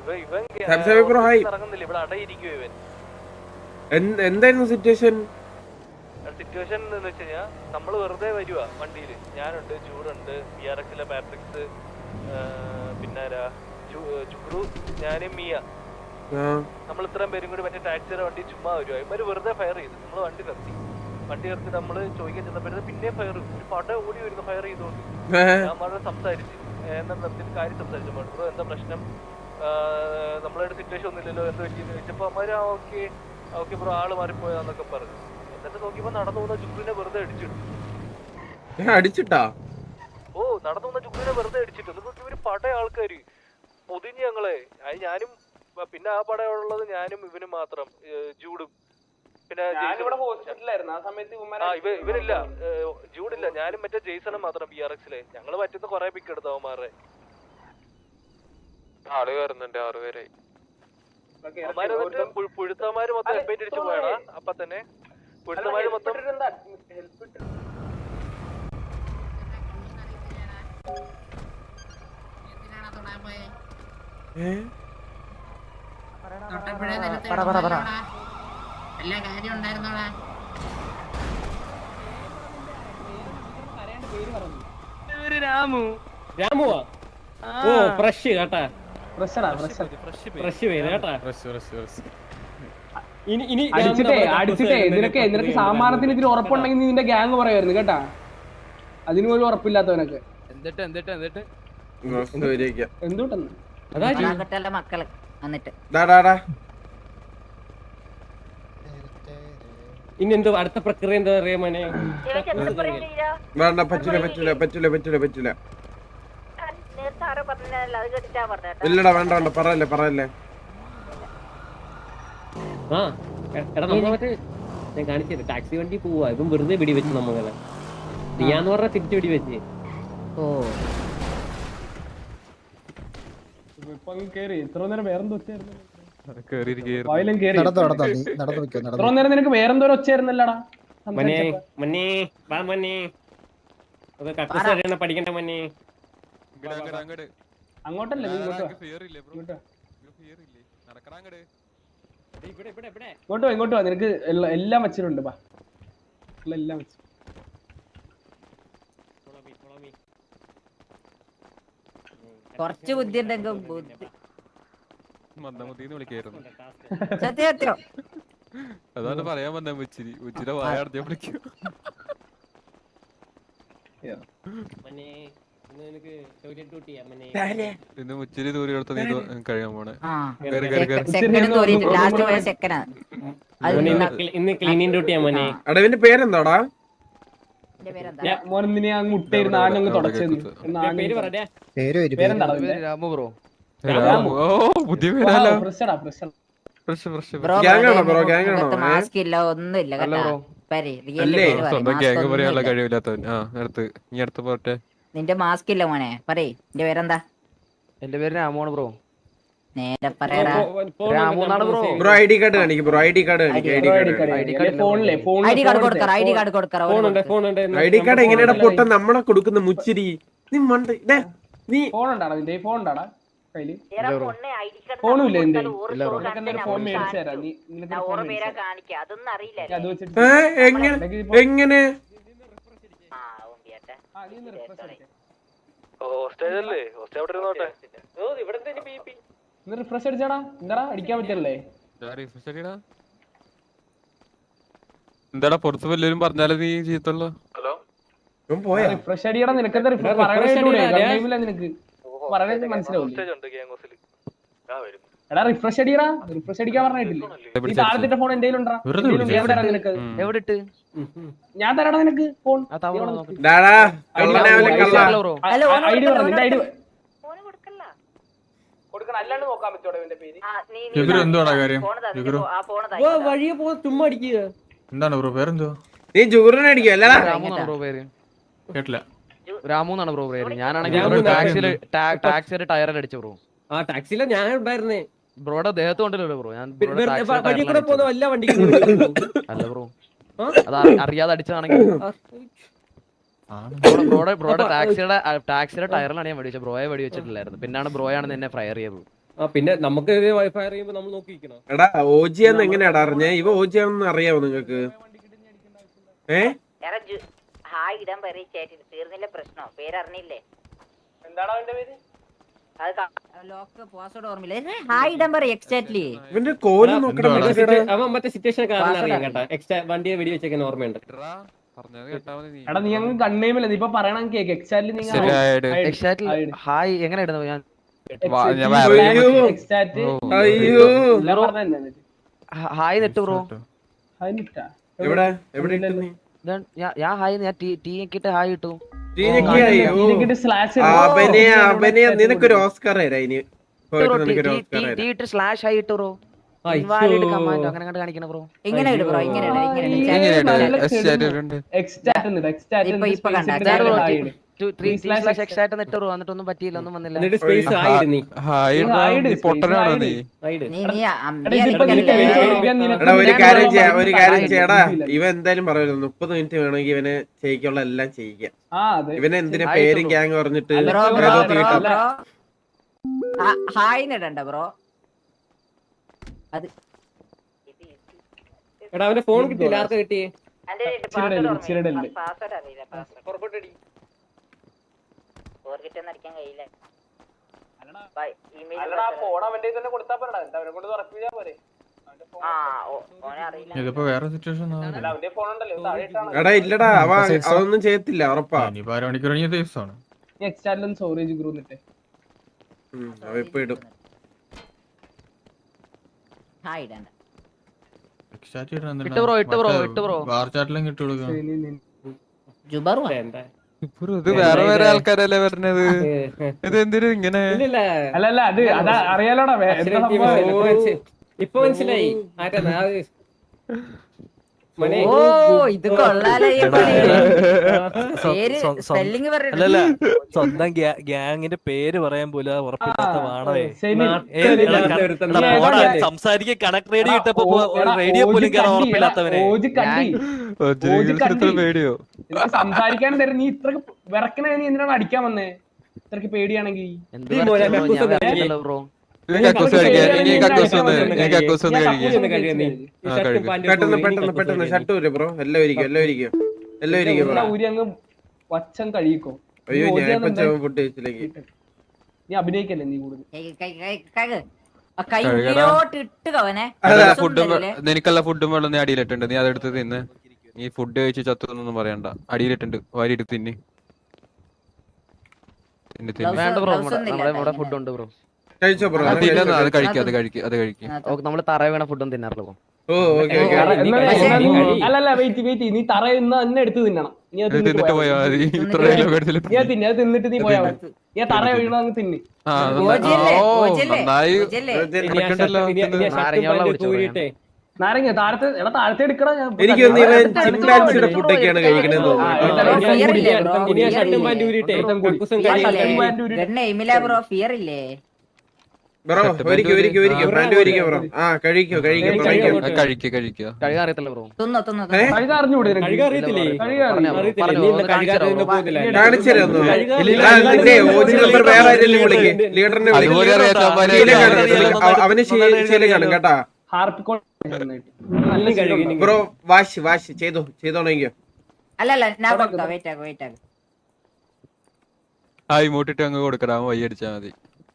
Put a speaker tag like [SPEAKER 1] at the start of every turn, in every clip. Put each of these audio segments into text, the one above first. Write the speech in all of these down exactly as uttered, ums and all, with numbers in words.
[SPEAKER 1] എന്തായിരുന്നു situation?
[SPEAKER 2] Situation എന്ന് വെച്ച് കഴിഞ്ഞാൽ നമ്മള് വെറുതെ വരുവാ വണ്ടിയില്. ഞാനുണ്ട്, ജൂഡുണ്ട്, ബി ആർ എക്സിലെ പാട്രിക്സ്, പിന്നെ ജുഗ്രു, ഞാനും മിയ, നമ്മൾ ഇത്രയും പേരും കൂടി മറ്റേ ടാക്സിയുടെ വണ്ടി ചുമ്മാ വരുവാ. ഇവര് വെറുതെ ഫയർ ചെയ്തു. നമ്മള് വണ്ടി നിർത്തി വണ്ടി നിർത്തി നമ്മള് ചോദിക്കാൻ ചെന്നപ്പോഴത്തെ പിന്നെ ഫയർ ഒരു പട ഓടി വരുന്നു ഫയർ ചെയ്തോണ്ട്. ഞാൻ വളരെ സംസാരിച്ചു എന്താ നിർത്തിയിട്ട് കാര്യം സംസാരിച്ചു. ബ്രോ എന്താ പ്രശ്നം, നമ്മളൊരു സിറ്റുവേഷൻ ഒന്നുമില്ലല്ലോ, എന്താ പറ്റിയെന്ന് ചോദിച്ചപ്പോ അമ്മര് ആ ഓക്കെ ഓക്കെ ബ്രോ ആള് മാറിപ്പോയാന്നൊക്കെ പറഞ്ഞു. എന്നിട്ട് നോക്കിയപ്പോ നടന്നു പോകുന്ന ജുഗ്രുവിനെ വെറുതെ അടിച്ചിട്ടു.
[SPEAKER 1] അടിച്ചിട്ടാ?
[SPEAKER 2] ഓ, നടന്നു പോകുന്ന ജുഗ്രുവിനെ വെറുതെ അടിച്ചിട്ടു. എന്നിട്ട് ഇവര് പട ആൾക്കാര് പൊതിഞ്ഞ് ഞങ്ങളെ. അത് ഞാനും പിന്നെ ആ പടയുള്ളത് ഞാനും ഇവനും മാത്രം, ജൂഡും. പിന്നെ ഇവരില്ല, ജൂഡില്ല, ഞാനും മറ്റേ ജെയ്സണും മാത്രം ബി ആർ എക്സിലെ. ഞങ്ങള് പറ്റുന്ന കൊറേ പിക്ക് എടുത്തു അവന്മാരെ.
[SPEAKER 3] ആള് കയറുന്നുണ്ട്, ആറ് പേരായി.
[SPEAKER 2] അവന്മാര് എന്നിട്ട് പുഴുത്തമാര് മൊത്തം എപ്പേറ്റ് അടിച്ചു പോയടാ. അപ്പൊ തന്നെ പുഴുത്തമാര് മൊത്തം
[SPEAKER 4] എല്ലാ കാര്യം ഉണ്ടായിരുന്നോടാ. രാമു രാമുവാ ഓ ഫ്രഷ് കേട്ടാ. ഫ്രഷ് പേര് കേട്ടാ. ഇനി ഇനി
[SPEAKER 5] അടിച്ചിട്ടേ അടിച്ചിട്ടേ നിനക്ക് നിനക്ക് സാമാനത്തിന് ഇതിന് ഉറപ്പുണ്ടെങ്കിൽ നിന്റെ ഗ്യാങ് പറയായിരുന്നു കേട്ടാ. അതിന് പോലും ഉറപ്പില്ലാത്തവനൊക്കെ
[SPEAKER 3] എന്നിട്ട് എന്നിട്ട് എന്നിട്ട്
[SPEAKER 5] എന്തുട്ടെന്ന്
[SPEAKER 4] മക്കള് എന്നിട്ട് ഇനി എന്തോ അടുത്ത പ്രക്രിയ എന്താ പറയാ മോനെ?
[SPEAKER 1] വേണ്ട, പറ്റില്ല പറ്റില്ല പറ്റില്ല പറ്റില്ല പറ്റില്ല. ഇല്ലടാ വേണ്ട വേണ്ട, പറയല്ലേ പറയല്ലേ.
[SPEAKER 4] ആ എടാ നമ്മ മറ്റേ ഞാൻ കാണിച്ചത് ടാക്സി വണ്ടി പോവാ. ഇപ്പം വെറുതെ പിടി വെച്ച് നമ്മളെ നീയാന്ന് പറഞ്ഞ തിരിച്ചു പിടി വെച്ച്. ഓ
[SPEAKER 5] ഇത്ര നേരം വേറെന്തോ ഒച്ചയായിരുന്നു.
[SPEAKER 6] നടന്നു
[SPEAKER 5] നേരം നിനക്ക് വേറെന്തോ ഒച്ചയായിരുന്നല്ലടാ.
[SPEAKER 4] മനെ മനെ വാ മനെ, പഠിക്കണ്ട മനെ.
[SPEAKER 5] അങ്ങോട്ടല്ലേ ഇങ്ങോട്ടോ ഇങ്ങോട്ടോ വാ. നിനക്ക് എല്ലാം വെച്ചിട്ടുണ്ട്. എല്ലാം വെച്ചു.
[SPEAKER 4] കുറച്ച് ബുദ്ധി ഉണ്ടെങ്കിൽ
[SPEAKER 3] അതാണ് പറയാൻ വന്ന ഉച്ചിരി ഉച്ചിര വായാടത്തെ വിളിക്കും. ഇന്ന് ഉച്ചിരി ദൂരെ എടുത്ത നീ കഴിയാൻ പോണേ.
[SPEAKER 4] ഇന്ന് ക്ലീനിങ് ഡ്യൂട്ടിയാ മോനെ.
[SPEAKER 1] അടവിന്റെ പേരെന്താടാ?
[SPEAKER 5] മോനെ അങ്ങ് മുട്ടയിരുന്ന ആഞ്ഞങ്ങ് തുടച്ചെന്ന്.
[SPEAKER 3] രാമു ബ്രോ. ഓ പുതിയ പേരല്ലോ. സ്വന്തം ഗ്യാങ് പറയാനുള്ള കഴിവില്ലാത്തവൻ. ആ അടുത്ത് നീ അടുത്ത് പോട്ടെ.
[SPEAKER 4] നിന്റെ മാസ്ക് ഇല്ല മോനെ. പറയ് നിന്റെ പേരെന്താ?
[SPEAKER 3] എന്റെ പേര് രാമുവാണ് ബ്രോ.
[SPEAKER 4] നേരെ പറയടാ.
[SPEAKER 1] ബ്രോ ഐ ഡി കാർഡ് കാണിക്ക്. ബ്രോ ഐ ഡി കാർഡ് കാണിക്ക്. I D card
[SPEAKER 4] I D card കൊടുക്കറ. ഐ ഡി കാർഡ് കൊടുക്കറ.
[SPEAKER 1] ഐ ഡി കാർഡ് എങ്ങനെയാ പൊട്ട നമ്മളെ കൊടുക്കുന്ന മുച്ചിരി? നീ മണ്ട നീ
[SPEAKER 5] ഫോൺ ഉണ്ടാടാ നിന്റെ ഫോൺ ഉണ്ടാടാ കയ്യില്? ഫോണുമില്ല നിന്റെ? ഫോൺ മേടിച്ചു തരാം. നീ
[SPEAKER 1] എങ്ങനെ എങ്ങനെ
[SPEAKER 5] റിഫ്രഷ് അടിച്ചാടാ. എന്താടാ അടിക്കാൻ പറ്റല്ലേ?
[SPEAKER 3] എന്താടാ പുറത്ത് വല്ലവരും പറഞ്ഞാലും നീ ചെയ്യത്തുള്ളൂ.
[SPEAKER 5] റിഫ്രഷ് അടിയടാ. നിനക്കെന്താ പറയണ? നിനക്ക് പറയണത് മനസ്സിലാവില്ലേ? എടാ റിഫ്രഷ് അടിയടാ. റിഫ്രഷ് അടിക്കാൻ പറഞ്ഞിട്ടില്ലേ? ഈ താഴത്തെ ഫോൺ എന്റെ കയ്യിലുണ്ടാ. നിനക്ക്
[SPEAKER 3] എവിടെ ഇട്ട്
[SPEAKER 5] ഞാൻ തരാടാ നിനക്ക് ഫോൺ. ഐ ഡി പറഞ്ഞു. നിന്റെ ഐ ഡി കൊടുക്കണം. അല്ലാണ്ട് നോക്കാൻ പറ്റോടെ ഇവന്റെ പേര്?
[SPEAKER 4] വഴിയെ പോ ചുമ്മാ അടിക്കുക.
[SPEAKER 3] എന്താണ് ബ്രോ പേരെന്തോ?
[SPEAKER 1] നീ ജൂറിനെ അടിക്കുക അല്ലടാ?
[SPEAKER 3] രാമു പേര് കേട്ടില്ല.
[SPEAKER 7] രാമു എന്നാണ് ബ്രോ പേര്. ഞാനാണെങ്കിൽ ടാക്സിയില് ടാക്സിയുടെ ടയറിൽ അടിച്ചു ബ്രോ.
[SPEAKER 4] ആ ടാക്സിയിലെ ഞാൻ ഉണ്ടായിരുന്നേ.
[SPEAKER 7] ബ്രോയുടെ ദേഹത്ത് കൊണ്ടല്ലോ ബ്രോ. ഞാൻ
[SPEAKER 4] എല്ലാ വണ്ടിക്കും
[SPEAKER 7] അല്ല ബ്രോ, അത് അറിയാതെ അടിച്ചതാണെങ്കിൽ ബ്രോയുടെ ബ്രോയുടെ ടാക്സിയുടെ ടാക്സിയുടെ ടയറിലാണ് ഞാൻ വെടിവെച്ചത്. ബ്രോയെ വെടിവെച്ചിട്ടില്ലായിരുന്നു. പിന്നാണ് ബ്രോയാണ് എന്നെ ഫയർ ചെയ്തത്.
[SPEAKER 4] ആ പിന്നെ നമുക്ക് വൈഫൈ അറിയുമ്പോ നമ്മൾ നോക്കിയിരിക്കണം.
[SPEAKER 1] എടാ ഓജിയാന്ന് എങ്ങനെയാടാ അറിഞ്ഞേ? ഇവ ഓജിയാണെന്ന് അറിയാവോ നിങ്ങക്ക്? ഏ
[SPEAKER 6] ഹായ് ഇടാൻ പറയും ചേട്ടൻ തീർന്നില്ല പ്രശ്നം പേരറിഞ്ഞില്ലേ?
[SPEAKER 5] എന്താണ് അവന്റെ പേര്?
[SPEAKER 6] ലോക്ക് പാസ്വേഡ് ഓർമ്മയില്ല. ഹായ് ഇടാൻ പറയും എക്സാക്ട്ലി.
[SPEAKER 1] ഇവന്റെ കോല് നോക്കണം.
[SPEAKER 4] അവൻ മറ്റേ സിറ്റുവേഷൻ കാരണം അറിയാം കേട്ടാ. എക്സ്ട്രാ വണ്ടിയെ വെടി വെച്ചേക്കാൻ ഓർമ്മയുണ്ട്.
[SPEAKER 5] എടാ നീ അങ്ങ് കണ്ണേമില്ല, നീ ഇപ്പൊ പറയണം കേക്ക് എക്സാക്ട്ലി. നീ
[SPEAKER 7] ഹായ് എങ്ങനെ ഇടുന്നു ഞാൻ?
[SPEAKER 1] അയ്യോ
[SPEAKER 7] ഹായ് നെട്ട് ബ്രോ.
[SPEAKER 1] എവിടെ എവിടെ ഇട്ടു നീ?
[SPEAKER 7] ഞാൻ ഹായ് ഞാൻ ടീ കിട്ട് ഹായ് ഇട്ടു.
[SPEAKER 1] അഭിനയ അഭിനയ നിനക്കൊരു ഓസ്കാർ തരാം ഇനി.
[SPEAKER 7] ടീ ഇട്ട് സ്ലാഷ് ഹായ് ഇട്ടു ബ്രോ. ഇൻവാലിഡ് കമാൻഡ് അങ്ങനെ കണ്ട് കാണിക്കണം ബ്രോ.
[SPEAKER 6] ഇങ്ങനെ ഇട് ബ്രോ, ഇങ്ങനെ ഇട്, ഇങ്ങനെ ഇട്. ഇപ്പൊ ഇപ്പൊ കണ്ടാ
[SPEAKER 7] എന്നിട്ടൊന്നും പറ്റിയില്ല, ഒന്നും വന്നില്ല.
[SPEAKER 1] എന്നിട്ട് സ്പേസ്
[SPEAKER 3] ഹായ് പൊട്ടനാണോ നീ?
[SPEAKER 6] നീ നീ
[SPEAKER 1] എടാ ഒരു കാര്യം ചെയ്യാ ഒരു കാര്യം ചെയ്യടാ. ഇവ എന്തായാലും പറയുന്നു മുപ്പത് മിനിറ്റ് വേണമെങ്കിൽ ഇവനെ ചെയ്യിക്കുള്ള എല്ലാം ചെയ്യിക്കാം. ഇവനെ എന്തിനാ പേരും ഗ്യാങ് പറഞ്ഞിട്ട്
[SPEAKER 6] ഹായ് ഇടണ്ട ബ്രോ. അത്
[SPEAKER 4] എടാ അവന്റെ ഫോൺ കിട്ടിയില്ല. ആർക്കാ കിട്ടിയേ?
[SPEAKER 6] പാസ്വേഡ് അറിയില്ല. പാസ്വേഡ് ഓർക്കിട്ടൊന്നും അടിക്കാൻ കഴിയില്ല.
[SPEAKER 3] ഇതിപ്പോ വേറെ സിറ്റുവേഷൻ
[SPEAKER 1] എടാ ഇല്ലടാ അവ അതൊന്നും ചെയ്യത്തില്ല ഉറപ്പാ.
[SPEAKER 3] ഇനിയിപ്പോ അരമണിക്കൂർ കഴിഞ്ഞ ദിവസമാണ്.
[SPEAKER 1] അവ ഇപ്പൊ ഇടും.
[SPEAKER 6] ഹായ് ഇടണ്ട.
[SPEAKER 7] ഇട്ട് ബ്രോ ഇട്ട് ബ്രോ ഇട്ട് ബ്രോ.
[SPEAKER 3] വാർ ചാറ്റിലും കിട്ടു കൊടുക്കാം.
[SPEAKER 6] ജുബറു
[SPEAKER 3] ഇത് വേറെ വേറെ ആൾക്കാരല്ലേ പറഞ്ഞത്. ഇത് എന്തിനും ഇങ്ങനെ?
[SPEAKER 5] അല്ലല്ല അത് അതാ അറിയാലോടാ.
[SPEAKER 4] ഇപ്പൊ മനസ്സിലായി.
[SPEAKER 6] ഓ ഇത് കൊള്ളാലോ. പേര് സ്പെല്ലിംഗ്
[SPEAKER 8] അല്ലല്ല സ്വന്തം ഗ്യാങ്ങിന്റെ പേര് പറയാൻ പോലും ഉറപ്പില്ലാത്ത വാണവേ. സംസാരിക്കാൻ കണക്ട് റേഡിയോ ഇട്ടപ്പോ റേഡിയോ പോലും കയറാൻ ഉറപ്പില്ലാത്തവനെ.
[SPEAKER 3] പേടിയോ
[SPEAKER 5] സംസാരിക്കാൻ തരും. നീ ഇത്രക്ക് വിറക്കണ നീ എന്തിനാണ് അടിക്കാൻ വന്നേ? ഇത്രക്ക് പേടിയാണെങ്കിൽ
[SPEAKER 7] ബ്രോ
[SPEAKER 1] പെട്ടെന്ന് പെട്ടെന്ന് പെട്ടെന്ന് ഷർട്ട് ഊര് ബ്രോ. എല്ലാം ഇരിക്കും എല്ലാം ഇരിക്കും എല്ലാം ഇരിക്കും.
[SPEAKER 5] ഊരി അങ്ങ് വച്ചം കഴിക്കോ.
[SPEAKER 1] അയ്യോ ഞാൻ ഇപ്പൊ ഫുഡ് കഴിച്ചില്ലെങ്കിൽ
[SPEAKER 5] നീ അഭിനയിക്കല്ലേ നീ കൂടുതൽ.
[SPEAKER 3] നിനക്കല്ല ഫുഡും വെള്ളം നീ അടിയിലിട്ടുണ്ട്. നീ അതെടുത്ത് തിന്ന്. നീ ഫുഡ് കഴിച്ച് ചത്തൊന്നും പറയണ്ട. അടിയിലിട്ടുണ്ട് വാരി എടുത്ത് തിന്ന്.
[SPEAKER 7] വേണ്ട ബ്രോ, നമ്മുടെ ഇവിടെ ഫുഡ് ഉണ്ട് ബ്രോ.
[SPEAKER 1] കഴിച്ചോ ബ്രോ?
[SPEAKER 3] അത് കഴിക്കും അത് കഴിക്കും അത് കഴിക്കും.
[SPEAKER 7] നമ്മള് തറ വീണ ഫുഡൊന്നും തിന്നാറില്ല ബ്രോ.
[SPEAKER 1] ഓ ഓക്കെ
[SPEAKER 5] അല്ലല്ല വെയിറ്റ് വെയിറ്റ് നീ തറയുന്ന തന്നെ എടുത്ത് തിന്നണം. നീ അത്
[SPEAKER 3] തിന്നിട്ട് പോയാ മതി. ഇത്ര
[SPEAKER 5] നീ തിന്നെ അത് തിന്നിട്ട് നീ പോയാ മതി. നീ തറ വീണ അങ്ങ് തിന്ന്.
[SPEAKER 3] നന്നായി
[SPEAKER 5] നാരങ്ങ താഴത്തെ എടാ താഴത്തെ എടുക്കടാ.
[SPEAKER 1] എനിക്ക് തോന്നുന്നു ഇവൻ ചിമ്പാൻസിയുടെ ഫുഡൊക്കെയാണ് കഴിക്കണെന്ന്
[SPEAKER 6] തോന്നുന്നു.
[SPEAKER 1] ബ്രോ ഒരിക്കൽ ഒരിക്കൽ ഒരിക്കൽ പാൻറ് ഒരിക്കൽ ബ്രോ. ആ കഴിക്കോ കഴിക്കോ
[SPEAKER 3] കഴിക്കുക കഴിക്കുക
[SPEAKER 7] കഴുകാൻ അറിയത്തില്ല ബ്രോ.
[SPEAKER 6] തിന്നോ തിന്നോ
[SPEAKER 5] അറിഞ്ഞൂടെ?
[SPEAKER 1] കാണിച്ചു തരുന്നു. നിന്റെ ഓജി നമ്പർ വേറെ ആരെങ്കിലും വിളിക്ക്. ലീഡറിനെ വിളിക്കും. അവന് ശീലം കാണും കേട്ടാ. ബ്രോ വാഷ് വാഷ് ചെയ്തോ ചെയ്തോണെങ്കോ.
[SPEAKER 6] അല്ലല്ല ഞാൻ കൊടുക്കാം. വെയിറ്റ് ആക്ക് വെയിറ്റ് ആക്ക്.
[SPEAKER 3] ആ ഇമോട്ടിട്ട് അങ്ങ് കൊടുക്കടാ. വൈ അടിച്ചാ മതി.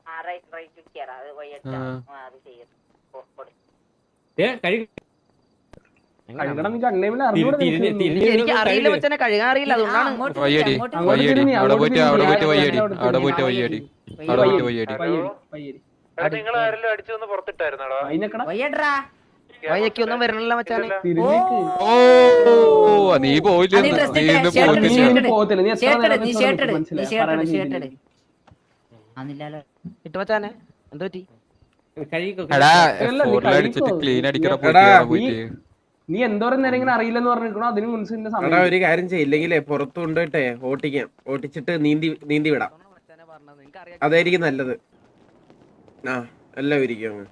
[SPEAKER 7] എനിക്ക് അറിയില്ല മച്ചാനെ, കഴുകാൻ അറിയില്ല. അതുകൊണ്ടാണ്
[SPEAKER 3] വയ്യടി വയ്യടി അവിടെ പോയിട്ട് അവിടെ പോയിട്ട് വയ്യടി അവിടെ പോയിട്ട് വയ്യടി അവിടെ പോയിട്ട് വയ്യടി.
[SPEAKER 2] നിങ്ങൾ ആരെങ്കിലും അടിച്ചൊന്ന് പുറത്തിട്ടായിരുന്നോ?
[SPEAKER 7] വയ്യൊന്നും വരണല്ലോ മച്ചാനെ.
[SPEAKER 3] ഓ നീ പോയില്ല.
[SPEAKER 7] ഇട്ട് മച്ചാനെ എന്താ പറ്റി?
[SPEAKER 3] ക്ലീൻ അടിക്കണ
[SPEAKER 5] നീ എന്തോരം നേരം ഇങ്ങനെ അറിയില്ലെന്ന് പറഞ്ഞിരിക്കണോ? അതിന് മുൻസിന്റെ സമയം.
[SPEAKER 1] ഒരു കാര്യം ചെയ്യില്ലെങ്കിലേ പുറത്തു കൊണ്ടുപോയിട്ടെ ഓട്ടിക്കാം. ഓട്ടിച്ചിട്ട് നീന്തി നീന്തി വിടാം. അതായിരിക്കും നല്ലത്. ആ എല്ലാം ഇരിക്കും അങ്ങ്.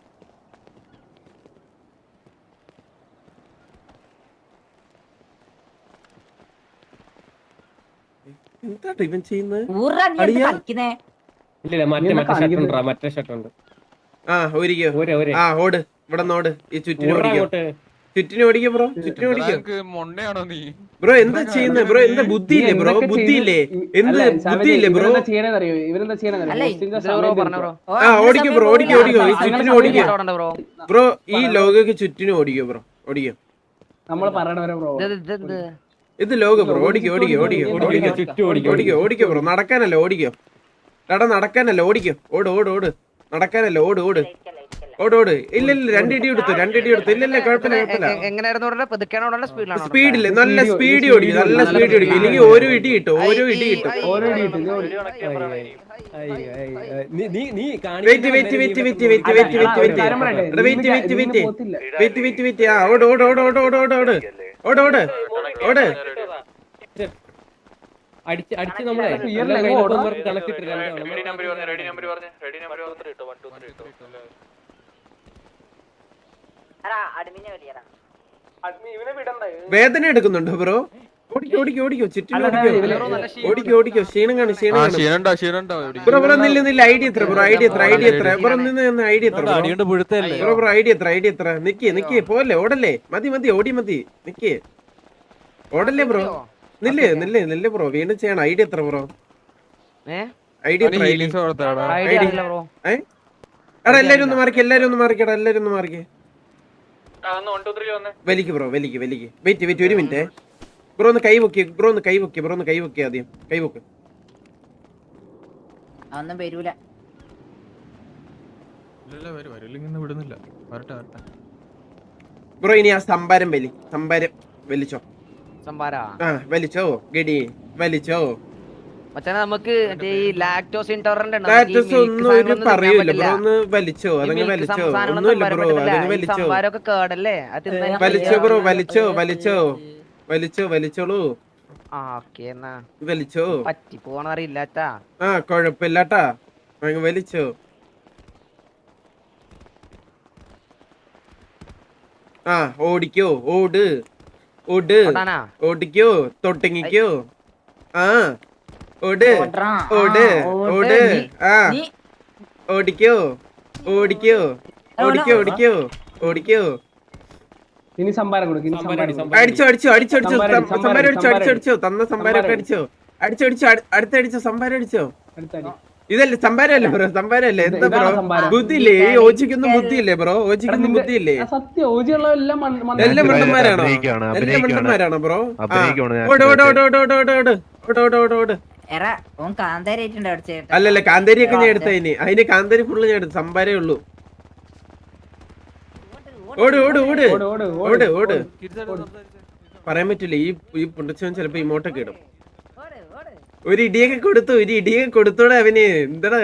[SPEAKER 1] എന്താ ഇവൻ ചെയ്യുന്നത്?
[SPEAKER 4] ഇല്ല മറ്റേ മറ്റേ ഷർട്ട് ഉണ്ട്. മറ്റേ ഷർട്ട് ഉണ്ട്.
[SPEAKER 1] ആ ഓടിക്കോ
[SPEAKER 4] ഒരേ ഒരേ
[SPEAKER 1] ആ ഓട് ഇവിടെ നോട് ഈ ചുറ്റിന് ഓടിക്കോ
[SPEAKER 4] അങ്ങോട്ട്
[SPEAKER 1] ചുറ്റിന് ഓടിക്കോ ബ്രോ ചുറ്റിന് ഓടിക്കോ
[SPEAKER 3] നിനക്ക് മൊണ്ണയാണോ നീ
[SPEAKER 1] ബ്രോ എന്താ ചെയ്യുന്നത് ബ്രോ എന്താ ബുദ്ധിയില്ലേ ബ്രോ ബുദ്ധിയില്ലേ എന്ത് ബുദ്ധിയില്ലേ ബ്രോ
[SPEAKER 5] ഇവരെന്താ ചെയ്യണെന്നറിയോ ഇവരെന്താ ചെയ്യണെന്നറിയോ
[SPEAKER 6] അല്ല,
[SPEAKER 5] ഹോസ്റ്റിന്റെ
[SPEAKER 7] ബ്രോ
[SPEAKER 5] സമയം
[SPEAKER 7] പറഞ്ഞോ
[SPEAKER 5] തീർക്കും.
[SPEAKER 7] ബ്രോ
[SPEAKER 1] ആ ഓടിക്കോ ബ്രോ ഓടിക്കോ ഓടിക്കോ ഈ ചുറ്റിന് ഓടിക്കോ
[SPEAKER 7] ബ്രോ
[SPEAKER 1] ബ്രോ ഈ ലോകക്ക് ചുറ്റിനും ഓടിക്കോ ബ്രോ ഓടിക്കോ
[SPEAKER 5] നമ്മള് പറയണവരെ ബ്രോ
[SPEAKER 7] ഇത് ഇത് ഇത്
[SPEAKER 1] ഇത് ലോക ബ്രോ ഓടിക്കോ ഓടിക്കോ ഓടിക്കോ ഓടിക്കോ
[SPEAKER 4] ചുറ്റും ഓടിക്കോ
[SPEAKER 1] ഓടിക്കോ ഓടിക്കോ ബ്രോ നടക്കാനല്ല ഓടിക്കോ എടാ നടക്കാനല്ല ഓടിക്കോ ഓട് ഓട് ഓട് നടക്കാനല്ല ഓട് ഓട് ഓട് ഓട് ഇല്ല ഇല്ല രണ്ടിടി എടുത്തു രണ്ടിടി എടുത്തു ഇല്ല ഇല്ല കുഴപ്പമില്ല കുഴപ്പമില്ല
[SPEAKER 7] എങ്ങനെയായിരുന്നു പറഞ്ഞ പതുക്കാണോ സ്പീഡിലാണോ
[SPEAKER 1] സ്പീഡില് നല്ല സ്പീഡ് ഓടിക്കും നല്ല സ്പീഡ് ഓടിക്കും ഇല്ലെങ്കിൽ ഓരോ ഇടി കിട്ടും ഓരോ ഇടി കിട്ടും
[SPEAKER 5] ഓരോ ഇടി കിട്ടും. ഇത് ഓടി.
[SPEAKER 4] നീ നീ നീ
[SPEAKER 1] wait wait wait wait wait wait wait wait
[SPEAKER 5] കാര്യം പറയട്ടെ,
[SPEAKER 1] എടാ വെയിറ്റ്
[SPEAKER 5] ഇതിന്
[SPEAKER 1] വെയിറ്റ് വെയിറ്റ്
[SPEAKER 5] പോത്തില്ല.
[SPEAKER 1] വെയിറ്റ് വെയിറ്റ് വെയിറ്റ് ആ ഓട് ഓട് ഓട് ഓട് ഓട് ഓട് ഓട് ഓട് ഓട് ഓട്
[SPEAKER 4] അടിച്ച് അടിച്ച് നമ്മളെ
[SPEAKER 5] ക്ലിയറിൽ എങ്ങോ ഓടാം.
[SPEAKER 4] കണക്ട് ഇട്ട് രണ്ടാണ്
[SPEAKER 5] ഇവനെ വിടണ്ടേ?
[SPEAKER 1] വേദന എടുക്കുന്നുണ്ടോ ബ്രോ ഓടിക്കോ ഓടിക്കോ ഓടിക്കോ ചുറ്റിനും
[SPEAKER 5] അല്ല,
[SPEAKER 1] ഓടിക്കോ
[SPEAKER 5] ഇവന്
[SPEAKER 1] ഓടിക്കോ ഓടിക്കോ ക്ഷീണം കാണും ക്ഷീണം
[SPEAKER 3] ആ
[SPEAKER 1] കാണും
[SPEAKER 3] ക്ഷീണുണ്ടോ ക്ഷീണുണ്ടോ
[SPEAKER 1] ബ്രോ ബ്രോ നില്ല നില്ല ഐഡിയ എത്ര ബ്രോ ഐഡിയ എത്ര ഐഡിയ എത്ര ബ്രോ നിന്ന് നിന്ന് ഐഡിയ എത്ര ബ്രോ
[SPEAKER 8] അടിയുണ്ട് പുഴുത്തല്ലേ
[SPEAKER 1] ബ്രോ ബ്രോ ഐഡിയ എത്ര ഐഡിയ എത്ര നിക്ക് നിക്ക് പോലെ ഓടല്ലേ മതി മതി ഓടി മതി നിക്ക് ഓടല്ലേ ബ്രോ നില്ലേ നില്ലേ നില്ലേ ബ്രോ വീണ്ടും ചെയ്യണം ഐഡിയ എത്ര ബ്രോ
[SPEAKER 7] ഏ
[SPEAKER 1] ഐഡിയ എത്ര ഐഡിയ
[SPEAKER 3] ഹീലിങ്സ് കൊടുത്താടാ
[SPEAKER 7] ഐഡിയ അറിയില്ല ബ്രോ
[SPEAKER 1] ഏ എടാ എല്ലാരും ഒന്ന് മാറിക്കേ എല്ലാരും ഒന്ന് മാറിക്കടാ എല്ലാരും ഒന്ന് മാറിക്കേ വലിക്ക് ബ്രോ വലിക്ക് വലിക്ക് വെയിറ്റ് വെയിറ്റ് ഒരു മിനിറ്റ് ബ്രോ ഒന്ന് കൈ പൊക്കി ബ്രോ ഒന്ന് കൈ പൊക്കി ബ്രോ ഒന്ന് കൈ പൊക്കി ആദ്യം കൈ പൊക്ക്
[SPEAKER 6] ഒന്നും വരൂല.
[SPEAKER 3] വിടുന്നില്ല വരട്ടെ വരട്ടെ
[SPEAKER 1] ബ്രോ ഇനി ആ സംഭാരം വലി സംഭാരം വലിച്ചോ
[SPEAKER 7] സംഭാരാ
[SPEAKER 1] ആ വലിച്ചോ ഗഡി വലിച്ചോ
[SPEAKER 7] മച്ചാനെ നമുക്ക് മറ്റേ ഈ ലാക്ടോസ് ഇൻടോളറന്റ്
[SPEAKER 1] സ്റ്റാറ്റസ് ഒന്നും ഒരു പറയൂല ബ്രോ ഒന്ന് വലിച്ചോ അതങ്ങ് വലിച്ചോ ഒന്നുമില്ല ബ്രോ അതങ്ങ് വലിച്ചോ
[SPEAKER 7] സംഭാരമൊക്കെ കേടല്ലേ അത് തിന്നാൻ
[SPEAKER 1] വലിച്ചോ ബ്രോ വലിച്ചോ വലിച്ചോ വലിച്ചോ വലിച്ചോളൂ
[SPEAKER 7] ആ ഓക്കെ എന്നാ
[SPEAKER 1] വലിച്ചോ
[SPEAKER 7] പറ്റി പോണറിയില്ലാട്ടാ
[SPEAKER 1] ആ കൊഴപ്പില്ലാട്ടാ അങ്ങ് വലിച്ചോ ആ ഓടിക്കോ ഓട് ഓട്
[SPEAKER 7] ഓടാനാ
[SPEAKER 1] ഓടിക്കോ തൊട്ടിങ്ങിക്കോ ആ ഓട്
[SPEAKER 6] ഓടറാ.
[SPEAKER 1] ഓട്
[SPEAKER 6] ആ,
[SPEAKER 1] ഓട്
[SPEAKER 6] നീ-
[SPEAKER 1] ആ
[SPEAKER 6] നീ
[SPEAKER 1] ഓടിക്കോ ഓടിക്കോ ഓടിക്കോ ഓടിക്കോ ഓടിക്കോ
[SPEAKER 5] ഇനി സംഭാരം കൊടുക്കും ഇനി സംഭാരം കൊടുക്ക്.
[SPEAKER 1] അടിച്ചോ അടിച്ചോ അടിച്ചോ അടിച്ചോ
[SPEAKER 5] സംഭാരം,
[SPEAKER 1] സം- സംഭാരം അടിച്ചോ
[SPEAKER 5] സംഭാരം.
[SPEAKER 1] അടിച്ചോ അടിച്ചോ തന്ന സംഭാരം ഒക്കെ
[SPEAKER 5] സംഭാരം.
[SPEAKER 1] അടിച്ചോ അടിച്ചോ അടിച്ചോ അടി- അടുത്തടിച്ചോ സംഭാരം അടിച്ചോ
[SPEAKER 5] അടുത്തടി.
[SPEAKER 1] ഇതല്ലേ സംഭാരല്ലേ ബ്രോ സംഭാരല്ലേ എന്താ
[SPEAKER 5] ഇതാണ്
[SPEAKER 1] ബ്രോ
[SPEAKER 5] സംഭാരം.
[SPEAKER 1] ബുദ്ധിയില്ലേ ഈ ഓജിക്കൊന്നും ബുദ്ധിയില്ലേ ബ്രോ
[SPEAKER 5] എടാ,
[SPEAKER 1] ഓജിക്കൊന്നും
[SPEAKER 5] നിന്റെ-
[SPEAKER 1] ബുദ്ധിയില്ലേ
[SPEAKER 5] ആ, സത്യം ഓജിയുള്ള എല്ലാം മണ്ണ്- മണ്ണ്
[SPEAKER 1] എല്ലാം
[SPEAKER 5] അടിച്ച്
[SPEAKER 1] മണ്ടന്മാരാണോ
[SPEAKER 9] അഭിനയിക്കുകയാണ്,
[SPEAKER 1] എല്ലാം
[SPEAKER 9] അഭിനയിക്കുകയാണ്.
[SPEAKER 1] മണ്ടന്മാരാണോ ബ്രോ ആ
[SPEAKER 9] അഭിനയിക്കുകയാണ് ഞാൻ
[SPEAKER 1] ഓട് ഓട് ഓട് ഓട് ഓട് ഓട് ഓട് ഓട് ഓട് ഓട് ഓട്
[SPEAKER 6] എറാ ഓൻ കാന്താരായിട്ടുണ്ട് അടിച്ചേട്ടാ.
[SPEAKER 1] അല്ലല്ല കാന്താരി ഒക്കെ ഞാൻ എടുത്ത അതിന് അതിന് കാന്താരി ഫുള്ള് ഞാൻ എടുത്തു സംഭാരേ ഉള്ളൂ ഓട് ഓട് ഓട്
[SPEAKER 5] ഓട്, ഓട്,
[SPEAKER 1] ഓട്
[SPEAKER 5] ഓട്.
[SPEAKER 1] ഓട് പറയാൻ പറ്റില്ല ഈ ഈ പുണ്ടച്ചവൻ ചിലപ്പോ ഇമോട്ടൊക്കെ ഇടും
[SPEAKER 6] ഓട്, ഓട്.
[SPEAKER 1] ഒരു ഇടിയൊക്കെ കൊടുത്തു ഒരു ഇടിയൊക്കെ കൊടുത്തോടെ അവന് എന്താടാ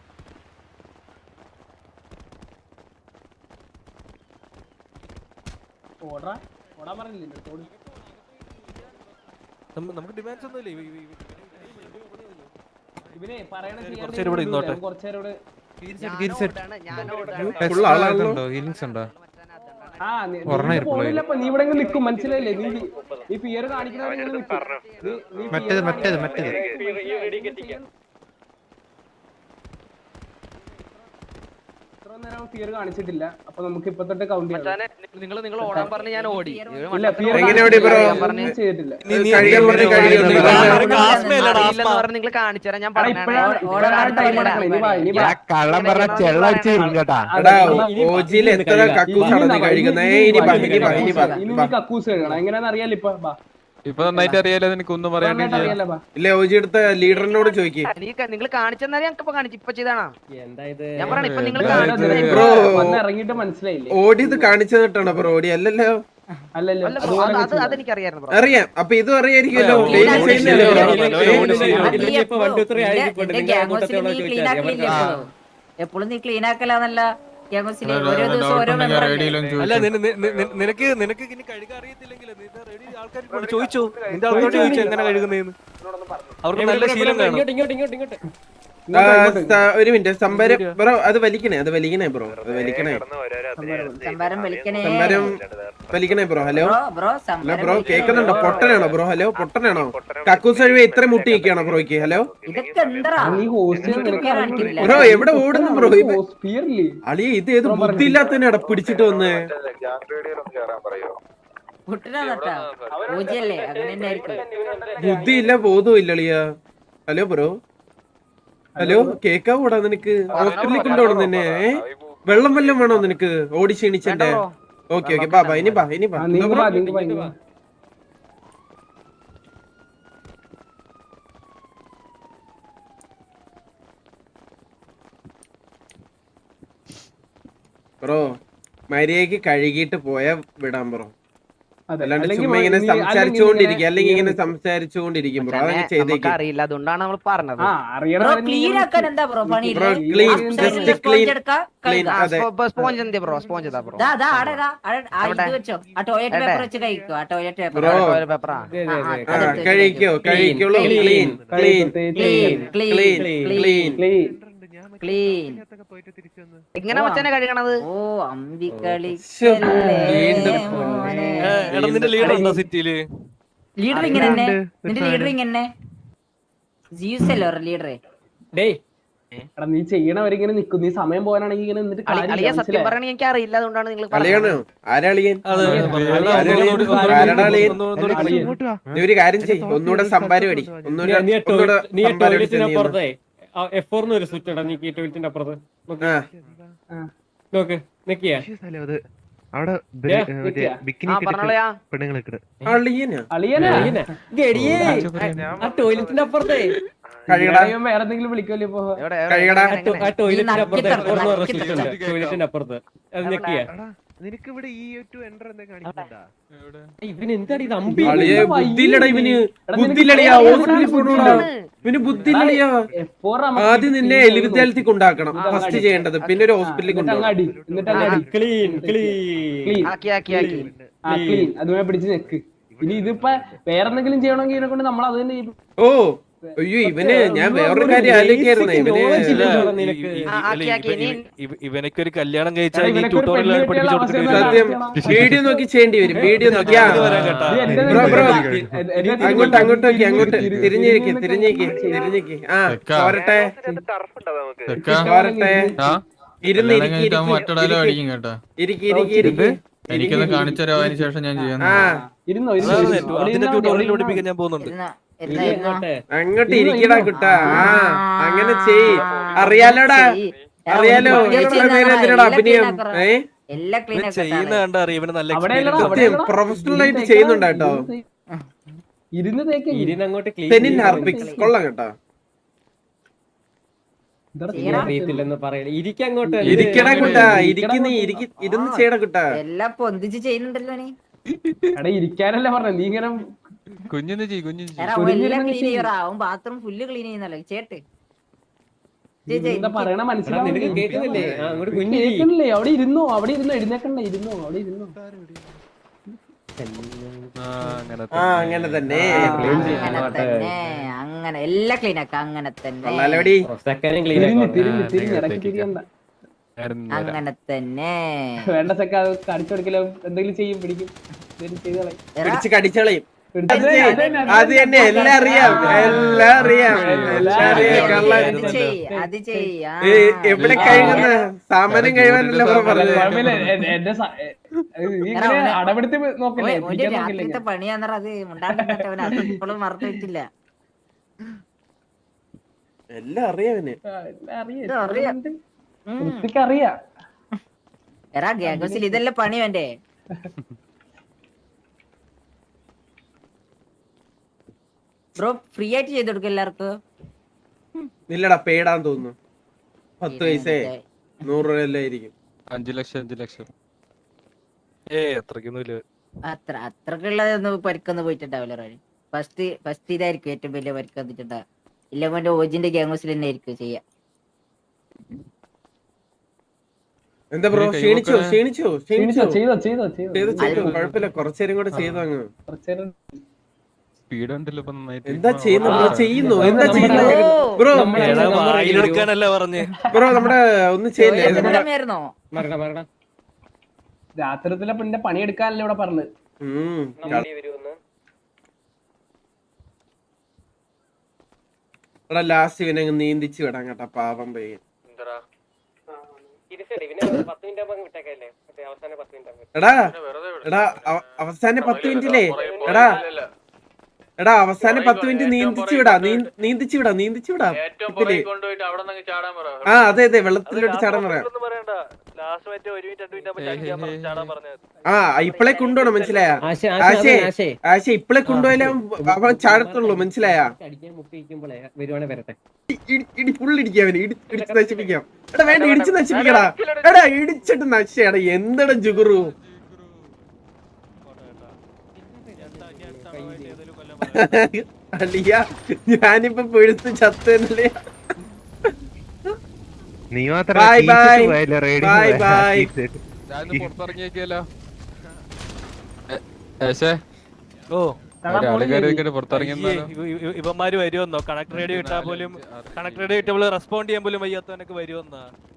[SPEAKER 5] ഓടറാ. ഓടാൻ പറഞ്ഞില്ലേ? ഓട്.
[SPEAKER 8] നമുക്ക് ഡിമാൻഡ്സ് ഒന്നും ഇല്ല
[SPEAKER 5] ഇവനെ പറയണ ചെയ്യാൻ
[SPEAKER 8] കുറച്ചേരം ഇവിടെ ഇരുന്നോട്ടെ.
[SPEAKER 5] അവൻ കുറച്ചേരം ഇവിടെ
[SPEAKER 1] ഫുൾ ആളാണല്ലോ
[SPEAKER 3] ഹീലിങ്സ് ഉണ്ടോ
[SPEAKER 5] ആ നീ- നീ
[SPEAKER 3] ഒരെണ്ണം
[SPEAKER 5] ഇങ്ങ് പോണില്ലപ്പോ, നീ ഇവിടെ നിൽക്കും മനസ്സിലായില്ലേ? നീ നീ ഫിയർ കാണിക്കുന്നവരെ ഇങ്ങനെ നിൽക്കും. നീ- നീ
[SPEAKER 9] മറ്റേത്
[SPEAKER 5] fear
[SPEAKER 9] മറ്റേത്
[SPEAKER 5] കാണിക്കുന്നവരെ
[SPEAKER 9] മറ്റേത്
[SPEAKER 5] ഇത്ര നേരം ഫിയർ കാണിച്ചിട്ടില്ല. അപ്പൊ നമുക്ക് ഇപ്പൊ തൊട്ട് കൗണ്ട് ചെയ്യാം.
[SPEAKER 7] മച്ചാനെ നിങ്ങൾ നിങ്ങൾ ഓടാൻ പറഞ്ഞ് ഞാൻ ഓടി
[SPEAKER 5] ഇല്ല ഫിയർ
[SPEAKER 1] എങ്ങനെ ഓടി ബ്രോ?
[SPEAKER 5] ചെയ്തിട്ടില്ല.
[SPEAKER 1] കഴിയാൻ പറഞ്ഞ് കഴിയൊന്നും ഇല്ല.
[SPEAKER 7] പറഞ്ഞ് നിങ്ങൾ കാണിച്ചു തരാം ഞാൻ
[SPEAKER 5] എടാ, ഇപ്പഴാണ് ഇപ്പഴാണ് time നടക്കണത്. ഇനി വാ, ഇനി വാ.
[SPEAKER 9] കള്ളം പറഞ്ഞ ചെള്ളടിച്ച് തരും കേട്ടാ.
[SPEAKER 1] എടാ ഓജിയിൽ എത്ര കക്കൂസാണ് നീ കഴിക്കുന്നേ ഇനി ബാ ഇനി ബാ ഇനി ബാ
[SPEAKER 5] ഇനി
[SPEAKER 1] ബാ.
[SPEAKER 5] നീ കക്കൂസ് കഴിയണം. എങ്ങനെയാന്ന് അറിയാലോ ഇപ്പൊ. ബാ.
[SPEAKER 3] ഇപ്പൊ നന്നായിട്ട് അറിയാലോ നിനക്ക് ഒന്നും പറയാണ്ടിരിക്കുക
[SPEAKER 5] നന്നായിട്ട് അറിയാലോ, ബാ.
[SPEAKER 1] ഇല്ല ഓജി എടുത്ത ലീഡറിനോട് ചോദിക്കേ
[SPEAKER 7] നിങ്ങൾ കാണിച്ചു തന്നാൽ ഞങ്ങൾക്ക് ഇപ്പൊ കാണിച്ചു ഇപ്പൊ ചെയ്താണോ
[SPEAKER 4] എന്താ ഇത്
[SPEAKER 7] ഞാൻ പറയണ ഇപ്പൊ നിങ്ങൾ
[SPEAKER 5] ഇതാ,
[SPEAKER 7] കാണിച്ചു
[SPEAKER 5] ഇതാ,
[SPEAKER 1] ബ്രോ.
[SPEAKER 5] വന്ന് ഇറങ്ങിയിട്ട് മനസ്സിലായില്ലേ?
[SPEAKER 1] ഓടിയത് കാണിച്ചു തന്നിട്ടാണോ ബ്രോ ഓടി അല്ലല്ലോ
[SPEAKER 5] അല്ലല്ലോ
[SPEAKER 7] അല്ല
[SPEAKER 5] അതുപോലെ
[SPEAKER 7] ബ്രോ അത്
[SPEAKER 5] വെച്ചില്ല.
[SPEAKER 7] അതെനിക്കറിയായിരുന്നു ബ്രോ
[SPEAKER 1] അറിയാം അപ്പൊ ഇതും അറിയായിരിക്കുമല്ലോ
[SPEAKER 3] ഓ,
[SPEAKER 1] ഡെയിലി
[SPEAKER 3] ഓടി
[SPEAKER 1] ചെയ്യുന്നില്ലേ
[SPEAKER 3] ശരിയാ.
[SPEAKER 1] ബ്രോ?
[SPEAKER 4] ഇതിലിപ്പോ ഇപ്പൊ one two three ആയിരിക്കും.
[SPEAKER 6] നിന്റെ
[SPEAKER 4] നിങ്ങൾ
[SPEAKER 6] ഗ്യാങ് ഹൗസിൽ
[SPEAKER 4] കൂട്ടത്തോടെ
[SPEAKER 6] നീ ക്ലീൻ ആക്കലില്ലേ
[SPEAKER 4] ചോദിച്ചാൽ
[SPEAKER 6] എപ്പോഴും? എപ്പോഴും നീ ക്ലീൻ ആക്കലാന്നല്ല ഗ്യാങ് ഹൗസിൽ ഓരോ ദിവസം ഓരോ മെമ്പർ
[SPEAKER 8] അല്ല നിന- നിന- നിന- നിനക്ക് നിനക്ക് ഇനി കഴുകാൻ അറിയത്തില്ലെങ്കിൽ റെഡി ചോദിച്ചു നിന്റെ ആൾക്കാരോട് ചോദിച്ചു എങ്ങനെ കഴുകുന്നതെന്ന് അവർക്ക് നല്ല ശീലം കാണും
[SPEAKER 4] ഇങ്ങോട്ട് ഇങ്ങോട്ട് ഇങ്ങോട്ട് ഇങ്ങോട്ട്
[SPEAKER 1] ഒരു മിനിറ്റ് സംഭരം ബ്രോ അത് വലിക്കണേ അത് വലിക്കണേ ബ്രോ അത് വലിക്കണേ
[SPEAKER 6] സംഭാരം വിളിക്കണേ
[SPEAKER 1] സംഭരം വലിക്കണേ bro hello
[SPEAKER 6] bro bro
[SPEAKER 1] hello
[SPEAKER 6] സംഭാരം
[SPEAKER 1] ബ്രോ കേൾക്കുന്നുണ്ടോ പൊട്ടനാണോ ബ്രോ ഹലോ പൊട്ടനാണോ കക്കൂസ് കഴിവ് ഇത്ര മുട്ടി നിൽക്കുകയാണോ ബ്രോയ്ക്ക് ഹലോ
[SPEAKER 6] ഇതൊക്കെ എന്താ
[SPEAKER 5] നീ ഹോസ്റ്റൽ
[SPEAKER 1] ബ്രോ എവിടെ ഓടുന്നു ബ്രോ അളിയ ഇത് ഏത് ബുദ്ധിയില്ലാത്തതിനാടാ പിടിച്ചിട്ട് വന്ന്
[SPEAKER 6] കുട്ടനാ പൂജയല്ലേ അങ്ങനെ തന്നെ ആയിരിക്കും
[SPEAKER 1] ബുദ്ധിയില്ല ബോധവും ഇല്ല അളിയ ഹലോ ബ്രോ ഹലോ കേക്കാവൂടാ നിനക്ക് ഹോസ്പിറ്റലിൽ കൊണ്ടുപോകണം നിന്നെ ഏ? വെള്ളം വല്ലതും വേണോ നിനക്ക് ഓടി ക്ഷീണിച്ചെന്റെ ഓക്കെ ഓക്കെ ബാ ബാ ഇനി ബാ ഇനി ബാ എന്തോ ബ്രോ? ബ്രോ മര്യാദക്ക് കഴുകിയിട്ട് പോയാ വിടാൻ ബ്രോ അല്ലാണ്ട് ചുമ്മാ ഇങ്ങനെ സംസാരിച്ചുകൊണ്ടിരിക്കും അല്ലെങ്കിൽ ഇങ്ങനെ സംസാരിച്ചുകൊണ്ടിരിക്കും ബ്രോ അതങ്ങനെ ചെയ്തേക്കും
[SPEAKER 7] അറിയില്ല അതുകൊണ്ടാണ് നമ്മൾ പറഞ്ഞത്
[SPEAKER 6] ബ്രോ ക്ലീൻ ആക്കാൻ എന്താ ബ്രോ പണി
[SPEAKER 1] bro clean just clean clean അതെ
[SPEAKER 7] സ്പോഞ്ച് എന്തിയാ ബ്രോ സ്പോഞ്ച് ഇതാ ബ്രോ
[SPEAKER 6] ദാ ദാ ആടെ ദാ ആടെ ആ ഇത് വെച്ചോ ആ ടോയ്ലറ്റ് പേപ്പർ വെച്ച് കഴിക്കോ ആ ടോയ്ലറ്റ് പേപ്പർ
[SPEAKER 1] ബ്രോ
[SPEAKER 7] പേപ്പറാ
[SPEAKER 1] ആ കഴിക്കോ കഴിക്കുള്ളൂ clean clean
[SPEAKER 6] clean
[SPEAKER 1] clean
[SPEAKER 6] clean
[SPEAKER 1] clean
[SPEAKER 6] clean
[SPEAKER 7] എങ്ങനെ മച്ചാനെ കഴുകണത്
[SPEAKER 6] ഓ അമ്പിക്കളി
[SPEAKER 1] വീണ്ടും
[SPEAKER 8] എടാ നിന്റെ ലീഡർ ഉണ്ടോ സിറ്റിയില്?
[SPEAKER 6] ലീഡർ ഇങ്ങനെ തന്നെ നിന്റെ ലീഡർ ഇങ്ങനെ ജീവസ് അല്ലോ ലീഡറെ
[SPEAKER 5] ഡേയ് എടാ നീ ചെയ്യണവരിങ്ങനെ നിക്കും നീ സമയം പോകാനാണെങ്കിൽ ഇങ്ങനെ എന്നിട്ട്
[SPEAKER 7] അളിയ സത്യം പറയണ എനിക്ക് അറിയില്ല അതുകൊണ്ടാണ് നിങ്ങൾ
[SPEAKER 1] അളിയാണോ ആരാളിയൻ
[SPEAKER 8] അതെ,
[SPEAKER 1] ആരാടാ അളിയൻ നീ ഒരു കാര്യം ചെയ്യ് ഒന്നുകൂടെ സംഭാരം അടി ഒന്നുകൂടെ ഒന്നുകൂടെ സംഭാരം അടിച്ച്
[SPEAKER 4] എഫ് ഒരു സ്വിച്ച് ഇടാ നീ ടോയ്ലറ്റിന്റെ അപ്പുറത്ത്
[SPEAKER 1] ആ
[SPEAKER 4] നോക്ക് നിക്കിയാ
[SPEAKER 9] അവിടെ
[SPEAKER 7] പറഞ്ഞോളയാ
[SPEAKER 9] പെണ്ണുങ്ങളൊക്കെ
[SPEAKER 1] അളിയനാ
[SPEAKER 5] അളിയനാ
[SPEAKER 4] ഗടിയേ ആ ടോയ്ലറ്റിന്റെ അപ്പുറത്തെ
[SPEAKER 1] കഴുകടാ
[SPEAKER 5] വേറെ എന്തെങ്കിലും വിളിക്കുമല്ലോ ഇപ്പൊ
[SPEAKER 7] എവിടെ
[SPEAKER 1] കഴുകടാ
[SPEAKER 4] ആ ടോയ്ലറ്റിന്റെ അപ്പുറത്തെ എഫ് പറഞ്ഞ സ്വിച്ച് ഉണ്ട് ടോയ്ലറ്റിന്റെ അപ്പുറത്ത് അത് നിക്കിയാ
[SPEAKER 9] നിനക്ക് ഇവിടെ ഈ ടു എൻ്റർ എന്താ കാണിക്കുന്നുണ്ടാ?
[SPEAKER 4] ഇവന് എന്താടി ഇത് അമ്പി
[SPEAKER 1] അളിയെ ബുദ്ധിയില്ലടാ ഇവന് ബുദ്ധിയില്ലടിയാ ഹോസ്പിറ്റലിൽ പോണോടാ ഇവന് ബുദ്ധിയില്ലടിയാ ആദ്യം നിന്നെ എലി വിദ്യാലയത്തിൽ കൊണ്ടാക്കണം ഫസ്റ്റ് ചെയ്യേണ്ടത് പിന്നെ ഒരു ഹോസ്പിറ്റലിൽ കൊണ്ടുപോകണം
[SPEAKER 5] അടി എന്നിട്ട് അങ്ങ് അടി
[SPEAKER 4] ക്ലീൻ ക്ലീൻ
[SPEAKER 5] ക്ലീൻ
[SPEAKER 7] ആക്കി ആക്കി ആക്കി
[SPEAKER 5] ആ ക്ലീൻ അതുപോലെ പിടിച്ച് നിക്ക് ഇനി ഇതിപ്പോ വേറെന്തെങ്കിലും ചെയ്യണമെങ്കിൽ ഇതിനെ കൊണ്ട് നമ്മൾ അത് തന്നെ ചെയ്യും.
[SPEAKER 1] ഓ അയ്യോ ഇവന് ഞാൻ വേറൊരു കാര്യം ആലോചിക്കായിരുന്നേ ഇവന്
[SPEAKER 8] ഇവനൊക്കെ ഒരു കല്യാണം കഴിച്ചാൽ
[SPEAKER 5] എടാ,
[SPEAKER 8] ഈ
[SPEAKER 5] ഇവനൊക്കെ ഒരു
[SPEAKER 8] ട്യൂട്ടോറിയൽ
[SPEAKER 5] പെണ്ണ്
[SPEAKER 8] പഠിപ്പിച്ചു
[SPEAKER 5] കിട്ടിയാൽ
[SPEAKER 8] കൊടുത്തിട്ട്
[SPEAKER 1] സത്യം വീഡിയോ നോക്കി ചെയ്യേണ്ടി വരും വീഡിയോ നോക്കിയാ
[SPEAKER 5] ഇത് എന്റെ
[SPEAKER 1] ബ്രോ ബ്രോ
[SPEAKER 5] എന്റെ- എന്റെ
[SPEAKER 1] അങ്ങോട്ട് അങ്ങോട്ട് നോക്കി അങ്ങോട്ട് തിരിഞ്ഞിരിക്കെ തിരിഞ്ഞേക്ക് തിരിഞ്ഞേക്ക് ആ പോരട്ടെ പോരട്ടെ ഇരുന്ന് ഇരിക്കി ഇരിക്കി ഇരിക്കി ഇരിക്കി
[SPEAKER 3] എനിക്കൊന്ന് കാണിച്ചു തരാം അതിന് ശേഷം ഞാൻ ചെയ്യാം
[SPEAKER 1] ആ
[SPEAKER 5] ഇരുന്നോ ഇരുന്നോ,
[SPEAKER 8] അതിന്റെ
[SPEAKER 5] ഇരുന്നോ അവിടെ
[SPEAKER 8] അതിന്റെ
[SPEAKER 5] ഇരുന്നാ മതി,
[SPEAKER 8] ട്യൂട്ടോറിയൽ
[SPEAKER 5] അവിടെ
[SPEAKER 8] പഠിപ്പിക്കാൻ ഞാൻ പോകുന്നുണ്ട്.
[SPEAKER 6] ഇരുന്നോ, ഇരുന്നോ, ഇരുന്നോ.
[SPEAKER 1] അങ്ങോട്ട് ഇരിക്കടാ കുട്ടാ ആ അങ്ങനെ ചെയ് അറിയാലോടാ അറിയാലോ ഇത്ര നേരം എന്തിനാടാ അഭിനയം ഏ
[SPEAKER 6] എല്ലാ ക്ലീൻ
[SPEAKER 8] ഇവൻ ചെയ്യുന്ന കണ്ട അറിയാം ഇവന് നല്ല
[SPEAKER 5] അവിടെ അല്ലടാ,
[SPEAKER 8] എക്സ്പീരിയൻസ്
[SPEAKER 5] അവിടെ
[SPEAKER 1] സത്യം
[SPEAKER 5] അല്ലടാ.
[SPEAKER 1] പ്രൊഫഷണൽ ആയിട്ട്
[SPEAKER 5] ഇരുന്ന്
[SPEAKER 1] ചെയ്യുന്നുണ്ട്
[SPEAKER 5] തേക്ക്,
[SPEAKER 1] കേട്ടോ
[SPEAKER 5] ഇരുന്ന് തേക്ക്. ഇരുന്ന് തേക്ക്
[SPEAKER 4] ഇരുന്നങ്ങോട്ട്
[SPEAKER 1] തെനിൻ
[SPEAKER 4] ക്ലീൻ
[SPEAKER 1] ഹാർപിക്സ് കൊള്ളാം കേട്ടോ
[SPEAKER 4] അറിയത്തില്ലെന്ന് പറയണ ഇരിക്കങ്ങോട്ട്
[SPEAKER 1] ഇരിക്കടാ കുട്ടാ ഇരിക്കുന്ന ഇരിക്കി ഇരുന്ന് ചെയ്യടാ കുട്ടാ
[SPEAKER 6] എല്ലാം പൊന്തിച്ച് ചെയ്യുന്നുണ്ടല്ലോ നീ
[SPEAKER 5] എടാ ഇരിക്കാനല്ലേ പറഞ്ഞ നീ ഇങ്ങനെ
[SPEAKER 3] കുഞ്ഞിന്ന് ചെയ്യ് കുഞ്ഞിന്ന് ചെയ്യ്.
[SPEAKER 6] എടാ, അവൻ എല്ലാം ക്ലീൻ ചെയ്യറാ അവൻ ബാത്റൂം ഫുള്ള് ക്ലീൻ ചെയ്യുന്നല്ലോ ചേട്ട്
[SPEAKER 5] എന്താ പറയണ
[SPEAKER 4] നിനക്ക്
[SPEAKER 5] മനസ്സിലാവുന്നില്ലേ
[SPEAKER 4] കേൾക്കുന്നില്ലേ ആ, അങ്ങോട്ട് കുഞ്ഞിരി
[SPEAKER 5] കേൾക്കണില്ലേ അവിടെ ഇരുന്നോ അവിടെ ഇരുന്നോ എഴുന്നേക്കണ്ട ഇരുന്നോ അവിടെ ഇരുന്നോ
[SPEAKER 8] ആ അങ്ങനെ
[SPEAKER 1] ആ അങ്ങനെ തന്നെ
[SPEAKER 6] അങ്ങനെ തന്നെ അങ്ങനെ എല്ലാം ക്ലീൻ ആക്ക അങ്ങനെ തന്നെ
[SPEAKER 1] കൊള്ളാലോടി
[SPEAKER 4] സെക്കൻഡ് ക്ലീൻ
[SPEAKER 5] തിരിഞ്ഞ് തിരിഞ്ഞ് തിരിഞ്ഞ് ഇടയ്ക്ക് തിരിയണ്ട
[SPEAKER 6] അങ്ങനെ തന്നെ
[SPEAKER 5] വേണ്ട സെക്ക അത് കാണിച്ചു കൊടുക്കലോ എന്തെങ്കിലും ചെയ്യും പിടിക്കും എന്തെങ്കിലും ചെയ്ത് കളയും.
[SPEAKER 6] എടാ,
[SPEAKER 1] പിടിച്ച് കടിച്ചളയും
[SPEAKER 5] പിടിച്ച്
[SPEAKER 1] അത് ചെയ്യ്. അത് തന്നെ എല്ലാം അറിയാം എല്ലാം അറിയാം എല്ലാം അറിയാം കള്ളൻ
[SPEAKER 6] അത് ചെയ്യ് അത് ചെയ്യ് ആ.
[SPEAKER 1] ഏ, എവിടെ കഴുകുന്ന സാമാനം കഴിവാനല്ല ബ്രോ പറഞ്ഞത്
[SPEAKER 5] കുഴപ്പമില്ല, എ- എന്റെ സ- എ- നീ ഇങ്ങനെ അടപെടുത്തി നോക്കില്ലേ
[SPEAKER 6] ഓൻ- ഓന്റെ
[SPEAKER 5] പിടിക്കാൻ നോക്കില്ലേ
[SPEAKER 6] രാത്രിത്തെ പണിയാന്നറ അത് മുണ്ടാണ്ടിട്ട് അവൻ അത് ഇപ്പോഴും മറന്നു വെച്ചില്ല
[SPEAKER 1] എല്ലാം അറിയാവന്
[SPEAKER 5] ആ, എല്ലാം അറിയാം.
[SPEAKER 6] ഇത് അറിയാം. ഉം.
[SPEAKER 5] വൃത്തിക്ക് അറിയാം
[SPEAKER 6] എടാ ഗ്യാഗോസിൽ ഇതെല്ലാം പണി വേണ്ടേ ബ്രോ ഫ്രീ ആയിട്ട് ചെയ്ത് കൊടുക്കും എല്ലാവർക്കും
[SPEAKER 1] ഇല്ലടാ പേടാന്ന് തോന്നുന്നു പത്ത് പൈസേ നൂറ് രൂപ എല്ലാം ആയിരിക്കും
[SPEAKER 3] അഞ്ചു ലക്ഷം അഞ്ചു ലക്ഷം
[SPEAKER 8] ഏ അത്രയ്ക്കൊന്നും ഇല്ല.
[SPEAKER 6] അത്ര അത്രക്കുള്ളതൊന്നും പരിക്കൊന്നും പോയിട്ടുണ്ടാവില്ല റോണി ഫസ്റ്റ് ഫസ്റ്റ് ഇതായിരിക്കും ഏറ്റവും വലിയ പരിക്ക് വന്നിട്ടുണ്ടാവുക ഇല്ല മോന്റെ ഓജിന്റെ ഗ്യാങ്സിൽ തന്നെ ആയിരിക്കും ചെയ്യാ
[SPEAKER 1] എന്താ ബ്രോ ക്ഷീണിച്ചോ ക്ഷീണിച്ചോ ക്ഷീണിച്ചോ
[SPEAKER 5] ചെയ്തോ ചെയ്തോ ചെയ്തോ
[SPEAKER 1] ചെയ്ത് ചെയ്തു കുഴപ്പമില്ല കുറച്ചേരും കൂടെ ചെയ്തു അങ്ങ്
[SPEAKER 5] കുറച്ചേരം
[SPEAKER 3] സ്പീഡ് ഉണ്ടല്ലോ ഇപ്പൊ നന്നായിട്ട്.
[SPEAKER 1] എന്താ ചെയ്യുന്നു ബ്രോ? ചെയ്യുന്നു എന്താ ചെയ്യുന്നു ബ്രോ?
[SPEAKER 8] എടാ വായിലെടുക്കാനല്ല പറഞ്ഞേ.
[SPEAKER 1] ബ്രോ നമ്മുടെ ഒന്നും ചെയ്യില്ലേ?
[SPEAKER 6] ചോദിച്ചിട്ടുണ്ടായിരുന്നോ?
[SPEAKER 4] മറക്കടാ മറക്കടാ.
[SPEAKER 5] രാത്രിത്തിലെ പിന്നെ പണിയെടുക്കാനല്ലേ ഇവിടെ പറഞ്ഞത്.
[SPEAKER 1] ഉം. എടാ ലാസ്റ്റ് ഇവനെ അങ്ങ് നീന്തിച്ച് വിടാൻ കേട്ടാ പാവം പയ്യൻ. എടാ എടാ അവ- അവസാന പത്ത് മിനിറ്റില്ലേ എടാ എടാ അവസാന പത്ത് മിനിറ്റ് നീന്തിച്ചു വിടാ നീ- നീന്തിച്ചു വിടാ നീന്തിച്ചു വിടാ ഇതില്. ആ അതെ അതെ വെള്ളത്തിലോട്ട് ചാടാൻ പറയാം.
[SPEAKER 2] ഒന്നും പറയണ്ട. ലാസ്റ്റ് മറ്റേ ഒരു മിനിറ്റ് രണ്ട് മിനിറ്റ് ആകുമ്പോ ചാടിക്കാൻ പറഞ്ഞു, ചാടാൻ പറഞ്ഞത്.
[SPEAKER 1] ആ ഇപ്പളെ കൊണ്ടുപോണം മനസ്സിലായ?
[SPEAKER 4] ആശേ ആശേ
[SPEAKER 1] ആശേ
[SPEAKER 4] ആശേ
[SPEAKER 1] ആശേ ഇപ്പളെ കൊണ്ടുപോയാലേ അവൻ ചാടത്തുള്ളൂ മനസ്സിലായ?
[SPEAKER 4] അടിക്കാൻ മുട്ടിക്കുമ്പോഴേ വരുവാണെ വരട്ടെ.
[SPEAKER 1] ഇടി ഫുൾ ഇടിക്കാം അവന് ഇടി- ഇടിച്ച് നശിപ്പിക്കാം. എടാ വേണ്ട ഇടിച്ച് നശിപ്പിക്കടാ. എടാ ഇടിച്ചിട്ട് നശിച്ചടാ എന്തെടാ ജുഗുറു. അളിയ ഞാനിപ്പോ പെഴുത്ത് ചത്തല്ലേ.
[SPEAKER 9] നീ മാത്രം
[SPEAKER 1] ബൈ ബൈ ബൈ ബൈ.
[SPEAKER 3] ഞാനൊന്ന് പുറത്തിറങ്ങിയേക്കല്ലോ. ഏശേ
[SPEAKER 8] ഓ
[SPEAKER 3] ആളുകാരൊക്കെ പുറത്തിറങ്ങിയെന്നാലോ.
[SPEAKER 8] ഇവ- ഇവ- ഇവന്മാര് വരുമെന്നോ? കണക്ട് റേഡിയോ ഇട്ടാ പോലും കണക്ട് റേഡിയോ ഇട്ടപ്പോൾ റെസ്പോണ്ട് ചെയ്യാൻ പോലും വയ്യാത്തവനൊക്കെ വരുമെന്നാ.